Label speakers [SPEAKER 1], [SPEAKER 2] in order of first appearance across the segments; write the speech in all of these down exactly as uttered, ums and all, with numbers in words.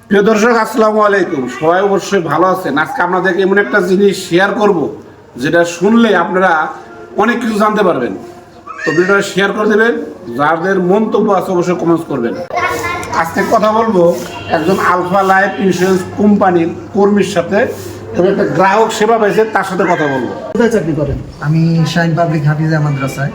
[SPEAKER 1] প্রিয় দর্শক, আসসালামু আলাইকুম। সবাই অবশ্যই ভালো আছেন। আজকে আপনাদেরকে এমন একটা জিনিস শেয়ার করব, যেটা শুনলে আপনারা অনেক কিছু জানতে পারবেন। তো ভিডিওটা শেয়ার করে দেবেন, যাদের মন্তব্য আছে অবশ্যই কমেন্টস করবেন। আজকে কথা বলবো একজন আলফা লাইফ ইন্স্যুরেন্স কোম্পানির কর্মীর সাথে, এবং একটা গ্রাহক সেবা পেয়েছে তার সাথে কথা বলবো।
[SPEAKER 2] কোথায় চাকরি করেন?
[SPEAKER 3] আমি শাইন পাবলিক হাফিজা মাদ্রাসায়।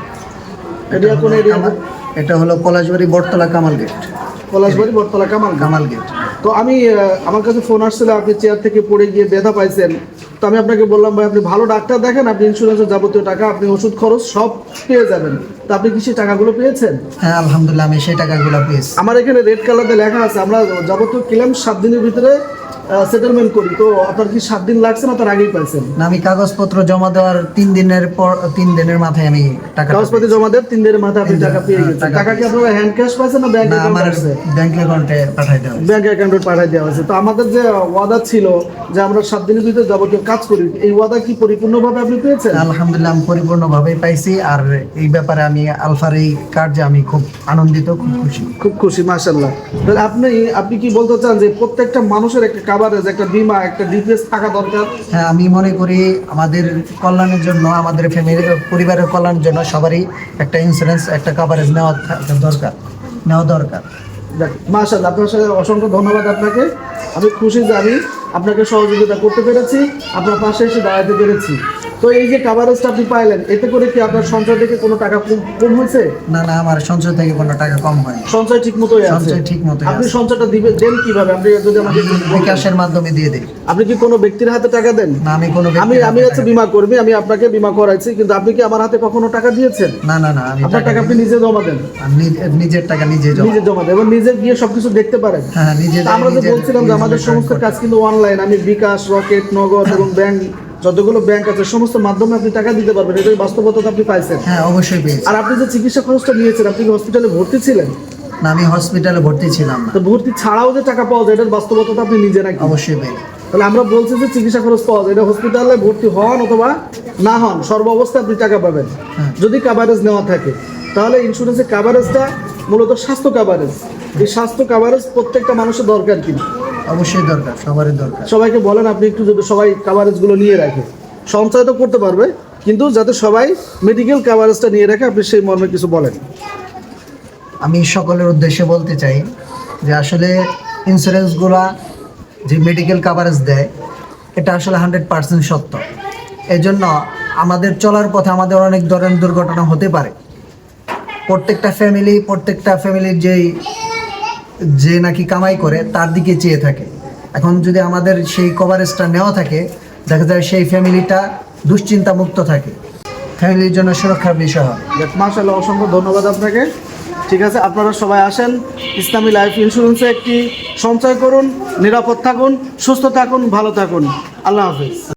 [SPEAKER 2] এটা কোন এরিয়া?
[SPEAKER 3] এটা হলো পলাশবাড়ি বটতলা কামাল গেট।
[SPEAKER 2] পলাশবাড়ি বটতলা কামাল
[SPEAKER 3] কামাল গেট।
[SPEAKER 2] তো আমি আহ, আমার কাছে ফোন আসছিল, আপনি চেয়ার থেকে পড়ে গিয়ে ব্যথা পাইছেন। তো আমি আপনাকে বললাম, ভাই আপনি ভালো ডাক্তার দেখেন, আপনি ইন্স্যুরেন্সের যাবতীয় টাকা, আপনি ওষুধ খরচ সব পেয়ে যাবেন। তো আপনি কি সেই টাকাগুলো পেয়েছেন?
[SPEAKER 3] হ্যাঁ, আলহামদুলিল্লাহ আমি সেই টাকাগুলো পেয়েছি।
[SPEAKER 2] আমার এখানে রেড কালারে লেখা আছে, আমরা যাবতীয় ক্লেম সাত দিনের ভিতরে সেটেলমেন্ট করি। তো আপনার কি সাত দিন লাগছে না তার আগেই পাইছেন?
[SPEAKER 3] না, আমি কাগজপত্র জমা দেওয়ার তিন দিনের পর তিন দিনের মাথায় আমি টাকা
[SPEAKER 2] কাগজপাতি জমা দেন, তিন দিনের মাথায় আপনি টাকা পেয়ে গেছেন।
[SPEAKER 3] টাকা
[SPEAKER 2] টাকা কি আপনারা হ্যান্ড ক্যাশ পাইছেন না ব্যাংক
[SPEAKER 3] না, আমার
[SPEAKER 2] অ্যাকাউন্টে?
[SPEAKER 3] ব্যাংক অ্যাকাউন্টে পাঠাই দেওয়া হয়েছে।
[SPEAKER 2] ব্যাংক অ্যাকাউন্টে পাঠিয়ে দেওয়া হয়েছে। তো আমাদের যে ওয়াদা ছিল যে আমরা সাত দিনের ভিতরে যাবতীয় কাজ করি, এই ওয়াদা কি পরিপূর্ণভাবে আপনি পেয়েছেন?
[SPEAKER 3] আলহামদুলিল্লাহ আমি পরিপূর্ণভাবেই পাইছি। আর এই ব্যাপারে আমি আলফার এই কার্যে আমি খুব আনন্দিত, খুব খুশি।
[SPEAKER 2] খুব খুশি, মাশাআল্লাহ। তাহলে আপনি আপনি কি বলতে চান যে প্রত্যেকটা মানুষের একটা কভারেজ, একটা বীমা, একটা ডিপিএস থাকা দরকার?
[SPEAKER 3] হ্যাঁ, আমি মনে করি আমাদের কল্যাণের জন্য, আমাদের ফ্যামিলি পরিবারের কল্যাণের জন্য সবারই একটা ইন্স্যুরেন্স, একটা কভারেজ নেওয়া থাকা দরকার, নেওয়া দরকার।
[SPEAKER 2] মাশাআল্লাহ, আপনার সাথে অসংখ্য ধন্যবাদ আপনাকে। আমি খুশি যে আমি আপনাকে সহযোগিতা করতে পেরেছি, আপনার পাশে এসে দাঁড়াতে পেরেছি। তো এই যে কভারেজটা আপনি পাইলেন, এতে করে কি আপনার সঞ্চয় থেকে কোনো টাকা কম কম হয়েছে?
[SPEAKER 3] না না, আমার সঞ্চয় থেকে কোনো টাকা কম হয়নি।
[SPEAKER 2] সঞ্চয় ঠিক মতোই আছে?
[SPEAKER 3] সঞ্চয় ঠিক মতোই
[SPEAKER 2] আপনি
[SPEAKER 3] আছে।
[SPEAKER 2] সঞ্চয়টা দিবেন দেন কিভাবে? আপনি যদি আমাকে
[SPEAKER 3] আমি বিকাশের মাধ্যমে দিয়ে দিই।
[SPEAKER 2] আপনি কি কোনো ব্যক্তির হাতে টাকা দেন?
[SPEAKER 3] না, আমি কোনো
[SPEAKER 2] আমি
[SPEAKER 3] ব্যক্তির
[SPEAKER 2] আমি
[SPEAKER 3] হাতে
[SPEAKER 2] হচ্ছে
[SPEAKER 3] টাকা
[SPEAKER 2] বীমা কর্মী, আমি আপনাকে বীমা করাইছি, কিন্তু আপনি কি আমার হাতে কখনো টাকা দিয়েছেন?
[SPEAKER 3] দিই। না না না, আমি
[SPEAKER 2] আপনার টাকা আপনি নিজে জমা দেন?
[SPEAKER 3] আমি নিজে- নিজের টাকা নিজে জমা।
[SPEAKER 2] নিজে জমা দেন এবং নিজে গিয়ে সবকিছু দেখতে পারেন।
[SPEAKER 3] হ্যাঁ, নিজে
[SPEAKER 2] তা আমরা যে
[SPEAKER 3] নিজের-
[SPEAKER 2] বলছিলাম যে আমাদের
[SPEAKER 3] নিজের
[SPEAKER 2] সমস্ত
[SPEAKER 3] টাকা
[SPEAKER 2] কাজ কিন্তু অনলাইন। আমি বিকাশ, রকেট, নগদ এবং ব্যাংক, যতগুলো ব্যাংক আছে সমস্ত মাধ্যমে আপনি টাকা দিতে পারবেন। এটাই বাস্তবতা আপনি পাইছেন।
[SPEAKER 3] হ্যাঁ, অবশ্যই পেয়েছি।
[SPEAKER 2] আর আপনি যে চিকিৎসা খরচটা নিয়েছেন, আপনি কি হসপিটালে ভর্তি ছিলেন?
[SPEAKER 3] না, আমি হসপিটালে ভর্তি ছিলাম না।
[SPEAKER 2] তো ভর্তি ছাড়াও যে টাকা পাওয়া যায়, এটার বাস্তবতা আপনি নিজে নাকি?
[SPEAKER 3] অবশ্যই পেয়েছি।
[SPEAKER 2] তাহলে আমরা বলছি যে চিকিৎসা খরচ পাওয়া যায়, এটা হসপিটালে ভর্তি হন অথবা না হন, সর্ব অবস্থায় আপনি টাকা পাবেন
[SPEAKER 3] হ্যাঁ।
[SPEAKER 2] যদি কাভারেজ নেওয়া থাকে। তাহলে ইন্স্যুরেন্সের কাভারেজটা মূলত স্বাস্থ্য কাভারেজ। এই স্বাস্থ্য কাভারেজ প্রত্যেকটা মানুষের দরকার কিনা?
[SPEAKER 3] অবশ্যই দরকার, সবারই দরকার।
[SPEAKER 2] সবাইকে বলেন আপনি একটু, যদি সবাই কাভারেজগুলো নিয়ে রাখে, সঞ্চয় তো করতে পারবে, কিন্তু যাতে সবাই মেডিকেল কাভারেজটা নিয়ে রাখে, আপনি সেই মর্মে কিছু বলেন।
[SPEAKER 3] আমি সকলের উদ্দেশ্যে বলতে চাই যে আসলে ইন্স্যুরেন্সগুলা যে মেডিকেল কাভারেজ দেয়, এটা আসলে হান্ড্রেড পার্সেন্ট সত্য। এই জন্য আমাদের চলার পথে আমাদের অনেক ধরনের দুর্ঘটনা হতে পারে। প্রত্যেকটা ফ্যামিলি প্রত্যেকটা ফ্যামিলির যেই যে নাকি কামাই করে তার দিকে চেয়ে থাকে। এখন যদি আমাদের সেই কভারেজটা নেওয়া থাকে, দেখা যায় সেই ফ্যামিলিটা দুশ্চিন্তা মুক্ত থাকে, ফ্যামিলির জন্য সুরক্ষার বিষয় হয়।
[SPEAKER 2] মাশাআল্লাহ, অসংখ্য ধন্যবাদ আপনাকে। ঠিক আছে, আপনারা সবাই আসেন, ইসলামী লাইফ ইন্স্যুরেন্সে একটি সঞ্চয় করুন, নিরাপদ থাকুন, সুস্থ থাকুন, ভালো থাকুন। আল্লাহ হাফেজ।